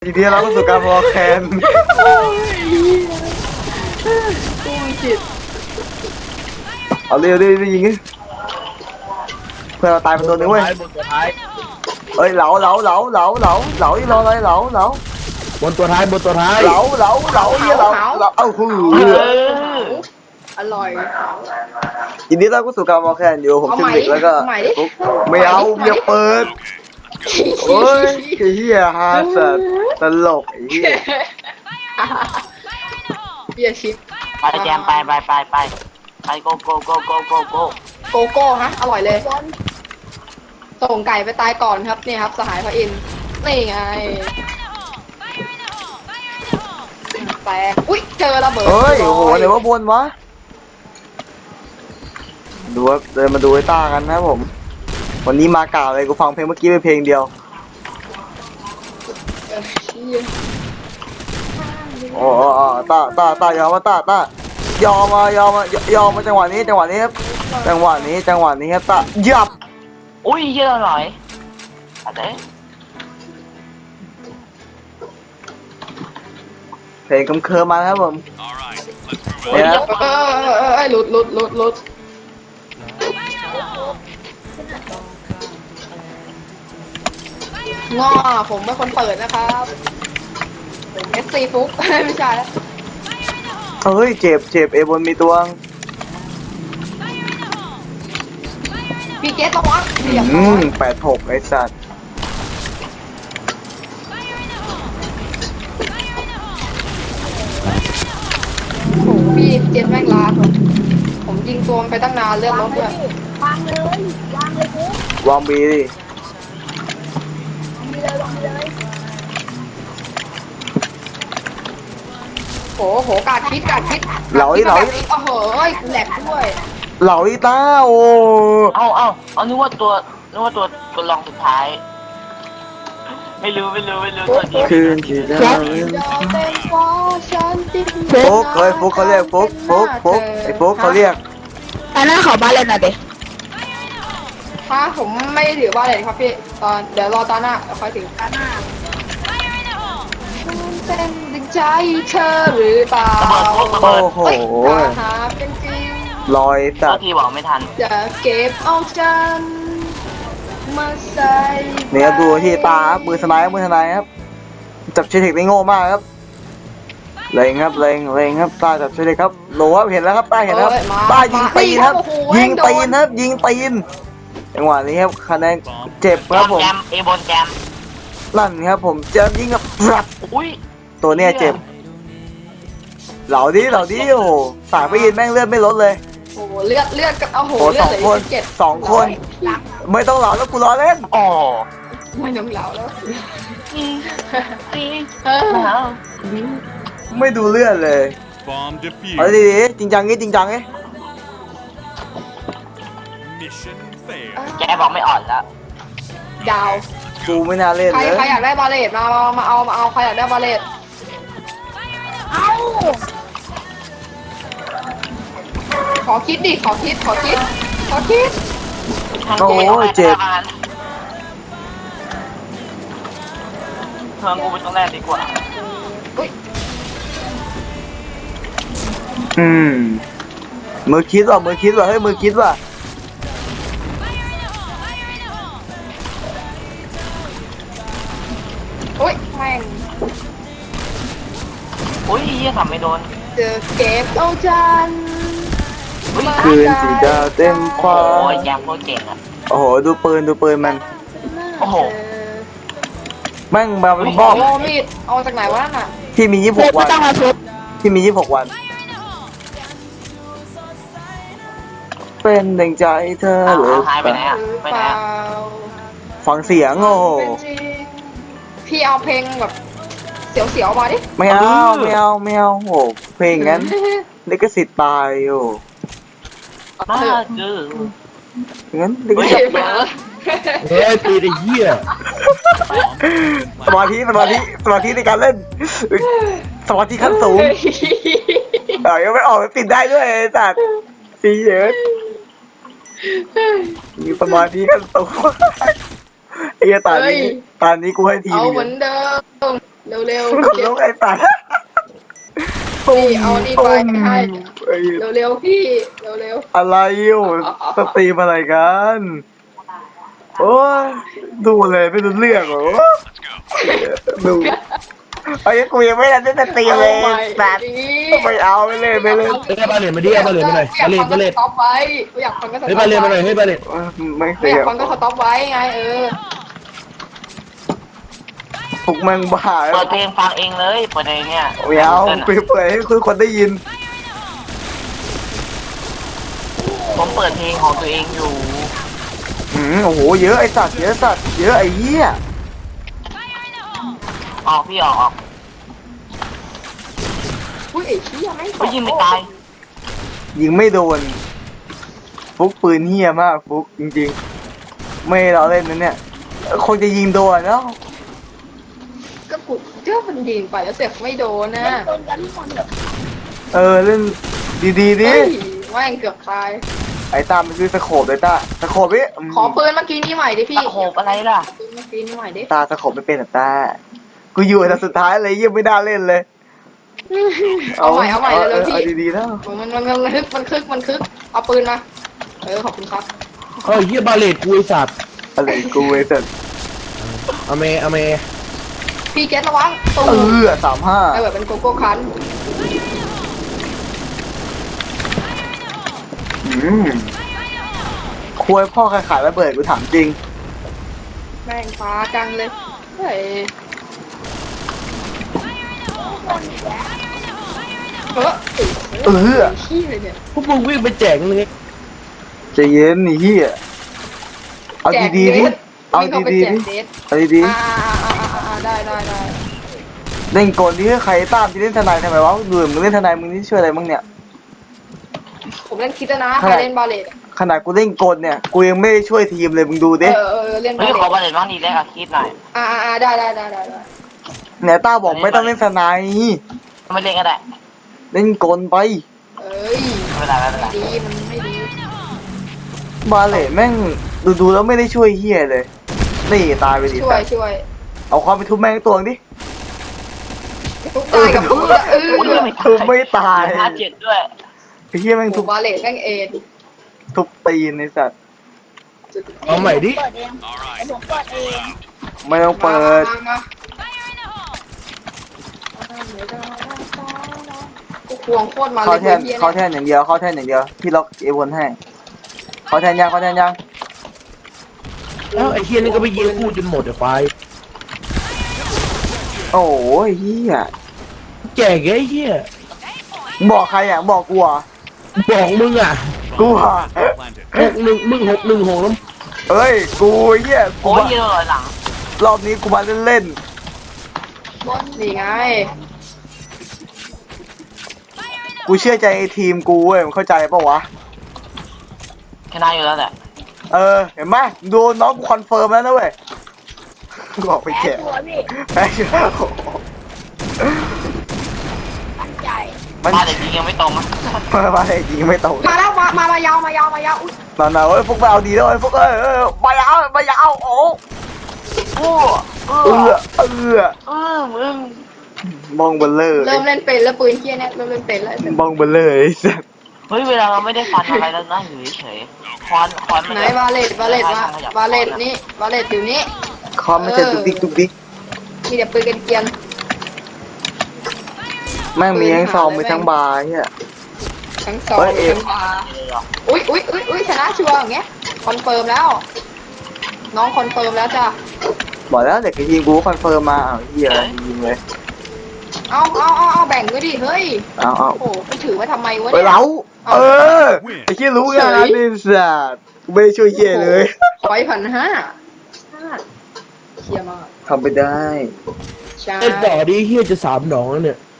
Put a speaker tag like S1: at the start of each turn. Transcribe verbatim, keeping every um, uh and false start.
S1: ทีนี้เราก็สู่การวอลแคนเอาเร็วเร็วยิงเพื่อเราตายเป็นตัวนึงเว้ยเอ้ยเหลาเหลาเหลาเหลาเหลาเหลาที่รออะไรเหลาเหลา
S2: บนตัวท้ายบนตัวท้าย
S1: เหลาเหลาเหลาเนี่ยเหลาเหลาเอ้าหู
S3: อร่อย
S1: ทีนี้เราก็สู่การวอลแคนอยู่ผมชิมดิกแล้วก็ไม่เอาอย่าเปิดโอ้ยไอ้เหี้ยฮาสัตตลกไอ้เหี้ย
S3: เบียร์ชิป
S4: ไปแจมไปไปไปไปไปโกโกโกโกโกโก
S3: โกโก้ฮะอร่อยเลยส่งไก่ไปตายก่อนครับนี่ครับสหายพระอินทร์นี่ไงแตกอุ้ยเจอระเบิด
S1: เฮ้ยโอ้โหไหนว่าบนวะดูว่าเดินมาดูไอ้ต้ากันนะผมวันนี้มาเก่าเลยกูฟังเพลงเมื่อกี้ไปเพลงเดียวโอ้โอ้ต้าต้าต้ายอมมาต้าต้ายอมมายอมมายอมมาจังหวะนี้จังหวะนี้ครับจังหวะนี้จังหวะนี้ครับต้ายับ
S4: อุ้ยเยอะหน่อยอะไร
S1: เพลงกำเคิร์มาครับผม
S3: เนี่ยเออเออเออหลุดหลุดหลุดหลุดง้อผมเป็นคนเปิดนะครับเอฟซีฟุกไม่ใช่แล้ว
S1: เฮ้ยเจ็บเจ็บเอบนมีตัว
S3: พี่เกตระวัง
S1: อืมแปดหกไอ้สัตว์
S3: โอ้พี่เจนแม่งลาผมผมยิงตัวมันไปตั้งนานเรื่องรถด้วย
S5: วางเลยวางเลยปุ๊บ
S1: วางบีดิ
S5: มีเลยวางเลย
S3: โหโหกาดคิดกาดคิด
S1: เหลาอีเหลาอี
S3: โอ้โหแหลกด้วย
S1: เหลาอีต้าโอ้
S4: เอาเอาเอานึกว่าตัวนึกว่าตัวตัวรองสุดท้ายไม่รู้ไม่รู้ไม่รู้ตัวนี้
S1: คืนที่ได้ฟุกเฮ้ยฟุกเขาเรียกฟุกฟุกฟุกไอ้ฟุกเขาเรียก
S5: อันนั้นขอบ้านเล่นหน่อยดิ
S3: ถ้าผมไม่ถือบ้านเลยครับพี่ตอนเดี๋ยวรอตอนหน้าค่อยถึงตอนหน้าเป็นดึงใจเธอหรือเปล่า
S1: โอ้โห
S3: หาเป็นจริง
S1: ลอยสั
S4: ตว์ที่บอกไม่ทัน
S3: จะเก็บเอาจันมาใส่
S1: เนี่ยดูที่ตาครับมือสไนป์มือสไนป์ครับจับเชติกได้โง่มากครับเล็งครับเล็งเล็งครับตาจับเชติกครับโหลครับเห็นแล้วครับตาเห็นแล้วตายิงตีนครับยิงตีนครับยิงตีนจังหวะนี้ครับคะแนนเจ็บครับผม
S4: แจมเอบนแจม
S1: ลั่นครับผมจะยิงกับรับ
S4: อุ้ย
S1: ตัวเนี้ยเจ็บเหล่าดิเหล่าดิโอ้สายไปยินแม่งเลือดไม่ลดเลย
S3: โอ้เลือดเลือดกับเอาโห
S1: เลือดเลยเจ็ดสองคนไม่ต้องเหล่าแล้วกูรอเล่น
S4: อ๋อ
S3: ไม่ต้องเหล่าแล้ว
S1: ไม่ดูเลือดเลยเอาดีๆจริงจังงี้จริงจังงี้
S4: แกบอกไม่อ่อนแล้ว
S3: ดาว
S1: กูไม่น่าเล่นเลย
S3: ใครอยากได้บาเลตมามาเอามาเอาใครอยากได้บาเลตเอาขอคิดดิขอคิดขอคิดขอคิด
S1: โอ้ยเจ็บ
S4: เพิ่มกูไปต้องแรกดีกว่า
S1: อืมมือคิดว่ะมือคิดว่ะเฮ้ยมือคิดว่ะ
S3: โอ้ยแม่ง
S4: โอ้ยยี่ทำไม่โดน
S3: เจอเก็บเอาจัน
S1: คืนสีดาวเต็มความ
S4: โอ้ยยังโคตรเก่งอ่ะ
S1: โอ้โหดูปืนดูปืนมัน
S4: โอ้โห
S1: แม่งมาเป็น
S3: บ้องโอ้มีดเอาจากไหนวะนั่นน่ะ
S1: ที่มียี่สิบหกวันที่มียี่สิบหกวันเป็นดังใจเธอหรือ
S4: หายไปไหนอ่ะไปไหน
S1: ฟังเสียงโอ้
S3: พี่เอาเพลงแบบเสียวๆมาดิ
S1: ไม่เอาไม่เอาไม่เอาโหเพลงงั้นลิขสิทธิ์ตายโอ้
S4: มาเจอ
S1: งั้นลิขสิทธิ์
S2: เฮ้ยตีได้เหี้ย
S1: สมาธิสมาธิสมาธิในการเล่นสมาธิขั้นสูงเออยังไม่ออกปิดได้ด้วยจัดสีเยอะมีสมาธิขั้นสูงไอ้ตานี้ตานี้กูให้ที
S3: เอาเหมือนเดิมเร็วเร็ว
S1: ขนลุกไอ้สัตว์
S3: พี่เอานี่ไปให้
S1: ไอ้
S3: เร็วเร็วพี่เร็วเร็ว
S1: อะไรอยู่สตรีมอะไรกันโอ้ยดูเลยไม่รู้เรื่องเหรอดูไอ้กูยังไม่ได้เล่นสตรีมเลยสัตว์ไม่เอาไม่เล่นไม่เล่น
S2: เฮ้ยบาเลตมาดิเอาบาเลตมาหน่อยบาเลตบาเลต
S3: สต็อปไว้อยากฟังก็สต็อป
S2: เฮ้ยบาเลตมาหน่อยเฮ้ยบาเลต
S1: ไม่เค
S3: ไม่
S1: ย
S3: อยากฟังก็สต็อปไว้ไงเออ
S1: พวกมึงบ้า
S4: เปิดเพลงฟังเองเลยเปิดเองเนี่ย
S1: ไม่เอาไปเปิดให้คือคนได้ยิน
S4: ผมเปิดเพลงของตัวเองอยู่
S1: อืมโอ้โหเยอะไอ้สัตว์เยอะสัตว์เยอะไอ้เหี้ย
S4: ออกพี่ออกออก
S3: อุ้ยไอ้เชี่ยไม่
S4: ไม่ยิงไม่ตาย
S1: ยิงไม่โดนฟุกปืนเหี้ยมากฟุกจริงๆ ไม่เราเล่นนะเนี่ยคงจะยิงโดนแล้ว
S3: ก็กูเจ้ามันยิงไปแล้วเสียไม่โดนนะ
S5: โดนกันทุกคนแบบ
S1: เออเล่นดีๆดิ
S3: เฮ้ยแม่งเกือบตาย
S1: ไอ้ตามมันคือสโคบเลยตาสโคบพี่
S3: ขอปืนเมื่อกี้นี้ใหม่ดิพี่
S4: ตะโขบอะไรล่ะ
S3: ปืนเมื่อกี้นี้ใหม่ดิ
S1: ตาสโคบไม่เป็นหรอตากูอยู่แต่สุดท้ายเลยยังไม่ได้เล่นเลย
S3: เอาใหม่เอาใหม่เลยพี่
S1: เอาดีๆแล้ว
S3: มันมันมันมันคึกมันคึกมันคึกเอาปืนมาเออขอบคุณครับ
S2: เฮ้ยเฮียบาเลตกูไอ้สัตว์
S1: อะไรกูไอ้สัตว์
S2: อเมอเม
S3: พี่เกตระวังตู
S1: เออสามห้า
S3: ไอแบบเป็นโกโก้คัน
S1: อืมคุยพ่อใครขายระเบิดกูถามจริง
S3: แม่งฟ้าจังเลยเฮ้ยเออ
S1: เออ
S3: ขี้เลยเนี่ย
S2: พวกมึงวิ่งไปแจกเลย
S1: ใจเย็นนี่เฮียเอาดีๆดิเอาดีๆดิเอาดี
S3: อ่าอ่าอ่าอ่าอ่าได้ได้ได้
S1: ๆเล่นกลดิใครตามที่เล่นทนายทำไมวะดูมึงเล่นทนายมึงนี่ช่วยอะไรมึงเนี่ย
S3: ผมเล่นคิดนะใครเล่นบาเลต
S1: ขนาดกูเล่นกลเนี่ยกูยังไม่ได้ช่วยทีมเลยมึงดู
S3: เอ
S1: ดิ
S3: อเออเล่นบา
S4: เฮ้ย
S3: เล
S4: ขอ
S3: ต
S4: บาเลตบ้างดีแรกอะคิดหน่อย
S3: อ่าอ่าได้ได้ได้ได้ได้
S1: เนี่ยต้าบอกไม่ต้องเล่นทนาย
S4: ไม่เล่นก็ได้
S1: เล่นกลไป
S3: เอ้ย
S4: ไม่เป็นไรไม่เป็นไร
S3: ดีมันไม่ดี
S1: บาเล่แม่งดูดูๆแล้วไม่ได้ช่วยเฮียเลยนี่ตายไปดิ
S3: ช่วยช่วย
S1: เอาความไปทุบแม่งตัวดิ
S3: ทุกตายกับเพื่อนเออ
S4: โอ้ยไม่
S1: ทุบไม่ตาย
S4: ห้าเจ็ดด้วย
S1: ไอ้เฮียแม่ง
S3: ถู
S1: ทุ
S3: ก
S1: บบ
S3: าเลตแม่งเอ็น
S1: ทุบตีนในสัตว์
S2: เอาใหม่ดิ
S5: เปิดเองไอ้ผมเปิดเอง
S1: ไม่ต้องเปิด
S3: มามากูควงโคตรมาเล
S1: เข้าย แทน
S3: เฮีย
S1: เข้าแทนอย่างเดียวเข้าแทนอย่างเดียวพี่ล็อกเอวนให้เข้าแทนยังเข้าแทนยัง
S2: แล้วไอ้เฮียนี่ก็ไปยิงกูจนหมดไอ้ควาย
S1: โอ้ยเฮีย
S2: แจกไอ้เฮีย
S1: มึงบอกใครอ่ะบอกกูอ่ะ
S2: บอกมึงอ่ะ
S1: กูอ่ะ
S2: หกหนึ่งมึงหกหนึ่งหกแล้ว
S1: เอ้ยกูเฮียกู
S4: โอ้ย
S1: มา
S4: ยืนลอยหลัง
S1: รอบนี้กูมาเล่น
S3: นี่ไง
S1: ๆกูเชื่อใจไอ้ทีมกูเว้ยมึงเข้าใจปะวะ
S4: ชนะอยู่แล้วแหละ
S1: เออเห็นไหมดูน้องกูคอนเฟิร์มแล้วนะเว้ยบอกไป
S5: แพ้
S1: แกะ
S5: ตัวพี่
S1: แพ้ชัวร์
S5: ตั้งใจ
S1: มัน
S4: บ้านเด็กยิงยังไม่ตรงนะ
S1: มามาไอ้จริงไม่ตรง
S3: มาแล้วมามามายาวมายาวมายาวอุ้ย
S1: นอนๆเอ้ยพวกไปเอาดีแล้วไอ้ยพวกเอ้ยเอ้ยมายาวมายาวโอ้
S4: โอ้เอ
S1: เอ
S4: อ
S1: อเออ
S4: เออมึง
S1: มองเบลเลอร์
S3: เริ่มเล่นเป็นแล้วปืนเฮียเนี่ยเริ่มเล่นเป็นแล้ว
S1: มองเบลเลอร์ไอ้สัส
S4: เฮ้ยเวลาเราไม่ได้ฟันอะไรแล้วนะอยู่เฉยๆคอนคอนมัน
S3: ไหนบาเลตบาเลตมาบาเลตนี่บาเลตอยู่นี่
S1: คอมไม่ใช่ตุกดิกตุกดิก
S3: มีแต่ปืนกันเกียน
S1: แม่งมีทั้งซองมีทั้งบาร์เฮีย
S3: ทั้งสอง
S1: เฮ้ยเอ็ม
S3: ทั้งบาร์อุ้ยอุ้ยอุ้ยอุ้ยชนะชัวร์อย่างเงี้ยคอนเฟิร์มแล้ว น้องคอนเฟิร์มแล้วจ้ะ
S1: บอกแล้วเด็กจะยิงกูคอนเฟิร์มมาอ้าวเฮียยิงเลย
S3: เอาเอาเอาเอาแบ่งด้วยดิเฮ้ย
S1: เอาเอา
S3: โอ้โหไปถือไว้ทำไมวะ
S1: ไป
S3: เนี่ย
S1: เล้าเออไอ้เฮียรู้งานนี่สัสกูไม่ได้ช่วยเฮียเลย
S3: ขออีกพันห้าเฮียมาก
S1: ทำไปได้
S3: ใช่
S2: เล่นต่อดิเฮียจะสามหนองแล้วเนี่ย